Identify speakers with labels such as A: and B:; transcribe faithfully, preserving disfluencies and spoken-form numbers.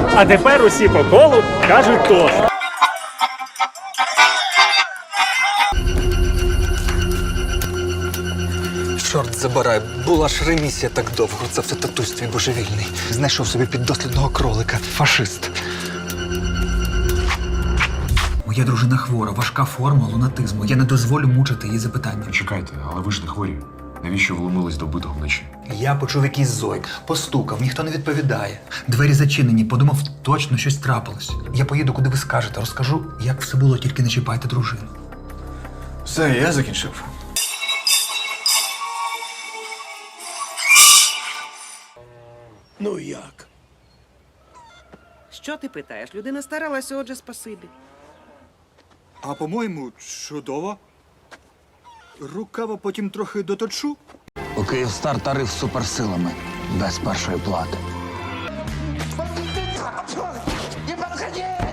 A: А тепер усі по колу кажуть тост.
B: Чорт забирай, була ж ремісія так довго. Це все татусь твій божевільний. Знайшов собі піддослідного кролика. Фашист. Моя дружина хвора, важка форма лунатизму. Я не дозволю мучити її запитання.
C: Чекайте, але ви ж не хворі. Навіщо вломились до вбитого вночі?
B: Я почув якийсь зойк, постукав, ніхто не відповідає. Двері зачинені, подумав, точно щось трапилось. Я поїду, куди ви скажете, розкажу, як все було, тільки не чіпайте дружину.
D: Все, я закінчив.
E: Ну як?
F: Що ти питаєш? Людина старалася, отже, спасибі.
D: А по-моєму, чудово. Рукава потім трохи доточу.
G: У Київстар тариф з суперсилами. Без першої плати.
E: Не подходи!